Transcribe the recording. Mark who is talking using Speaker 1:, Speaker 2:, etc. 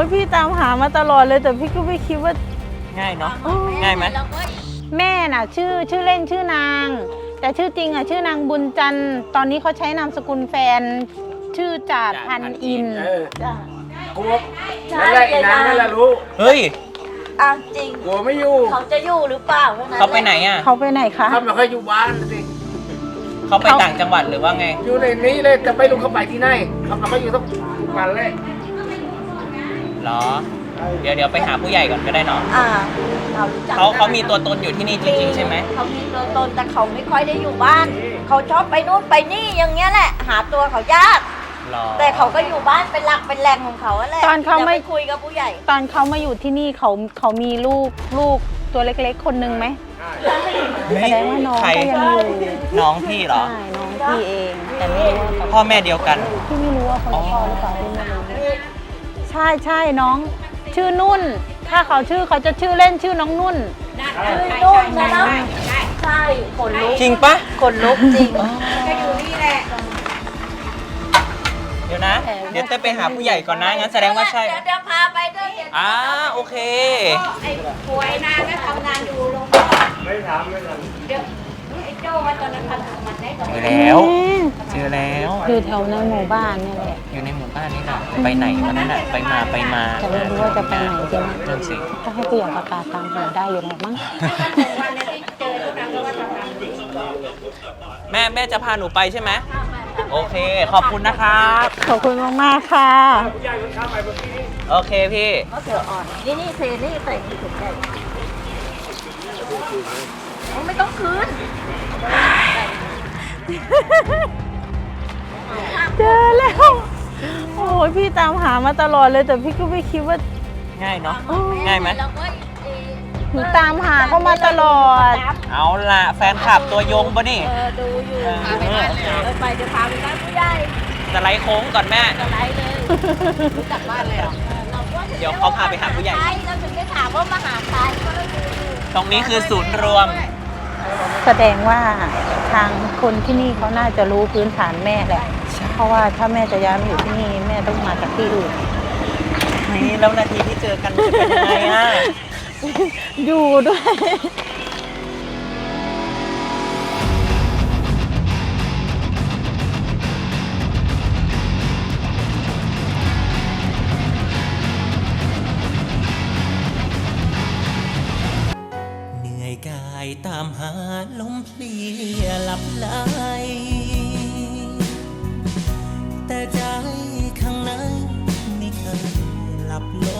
Speaker 1: ยพี่ตามหามาตลอดเลยแต่พี่ก็ไม่คิดว่า
Speaker 2: ง่ายเนาะง่ายไหม
Speaker 1: แม่น่ะชื่อเล่นชื่อนาง แต่ชื่อจริงอ่ะชื่อนางบุญจันทร์ตอนนี้เขาใช้นามสกุลแฟนชื่อจาดพันอิน
Speaker 3: กลัวนั่นแหละอีนางนั่นแหละรู้
Speaker 2: เฮ้ย
Speaker 4: จริง
Speaker 3: กลัวไม่อยู่
Speaker 4: เขาจะอยู่หรือเปล่า
Speaker 2: เขาไปไหนอ่ะ
Speaker 1: เขาไปไหนคะ
Speaker 3: เขาไม่ค่อยอยู่บ้านสิ
Speaker 2: เขาไปต่างจังหวัดหรือว่าไง
Speaker 3: อยู่ในนี้เลยจะไม่รู้เขาไปที่ไหนเขาไม่อยู่ต้องวันเลย
Speaker 2: เหรอเดี๋ยวไปหาผู้ใหญ่ก่อนก็ได้เนาะเขามีตัวตนอยู่ที่นี่จริงๆใช่ไหม
Speaker 4: เขามีตัวตนแต่เขาไม่ค่อยได้อยู่บ้านเขาชอบไปนู่นไปนี่อย่างเงี้ยแหละหาตัวเขายากแต่เขาก็อยู่บ้านเป็นหลักเป็นแหล่งของเขาแหละ
Speaker 1: ตอนเขาไม่
Speaker 4: คุยกับผู้ใหญ่
Speaker 1: ตอนเขามาอยู่ที่นี่เขามีลูกตัวเล็กๆคนนึงไหมแสดงว่าน้องก็ยังอยู่
Speaker 2: น้องพี่เหรอ
Speaker 1: ใช่น้องพี่เองแต่ไม่รู้ว่า
Speaker 2: พ่อแม่เดียวกัน
Speaker 1: พี่ไม่รู้ว่าเขาพ่อหรือเปล่าพี่ไม่รู้ใช่น้องชื่อนุ่นถ้าเขาจะชื่อเล่นชื่อน้องนุ่น
Speaker 4: ชื่อนุ่นนะใช่ขนลุก
Speaker 2: จริงปะ
Speaker 4: ขนลุกจริงก็อยู่นี่แหละ
Speaker 2: เดี๋ยวนะเดี๋ยวเต้ไปหาผู้ใหญ่ก่อนนะงั้นแสดงว่าใช่
Speaker 4: เดี๋ยวพาไปด้วย
Speaker 2: โอเค
Speaker 4: ไอ้ป่วยนางก็ทำงานอยู่โรงพยาบาลไม่ทำเดี๋ยวไอ้โจ้ว่าตอนนั้นทำมันได้ก่อน
Speaker 2: เจอแล้ว
Speaker 1: อยู่แถวในหมู่บ้านนี่แหละ
Speaker 2: อยู่ในหมู่บ้านนี่แหละไปไหนวันนั้นไปมา
Speaker 1: แต่ไม่รู้ว่าจะไปไหนจริง
Speaker 2: นั่นสิ
Speaker 1: ถ้าให้ผู้ใหญ่ประกาศตามหาได้อยู่หรอกมั้ง
Speaker 2: แม่จะพาหนูไปใช่ไหมโอเคขอบคุณนะครับ
Speaker 1: ขอบคุณมากๆค่ะ
Speaker 2: โอเคพี่
Speaker 4: ก็เสืออ่อนนี่เซนี่ใส่ถุงใหญ่ไม่ต้องคืน
Speaker 1: เจอแล้วโอ้ยพี่ตามหามาตลอดเลยแต่พี่ก็ไม่คิดว่า
Speaker 2: ง่ายเนาะง่ายไหม
Speaker 1: หนูตามหาเขามาตลอด
Speaker 2: เอาล่ะแฟนคลับตัวยงปะนี่
Speaker 4: ดูอยู่ไปบ้านเลยไปจะพาไปบ้านผู้ใหญ่
Speaker 2: จะไล่โค้งก่อนแม่
Speaker 4: จะไล่เลยรู้จักบ้านเลย
Speaker 2: เดี๋ยวเขาพาไปหาผู้ใหญ่
Speaker 4: เราถึงได้ถามว่ามาหาใคร
Speaker 2: ตรงนี้คือศูนย์รวม
Speaker 1: แสดงว่าทางคนที่นี่เขาน่าจะรู้พื้นฐานแม่แหละเพราะว่าถ้าแม่จะย้ายมาอยู่ที่นี่แม่ต้องมาจากที่อื่น
Speaker 2: นี่แล้วนาทีที่เจอกันจะเป็นยังไงอ่ะ
Speaker 1: อยู่ด้วย
Speaker 2: เหนื่อยกายตามหาลมเพลียหลับไหลแต่ใจข้างในไม่เคยหลับล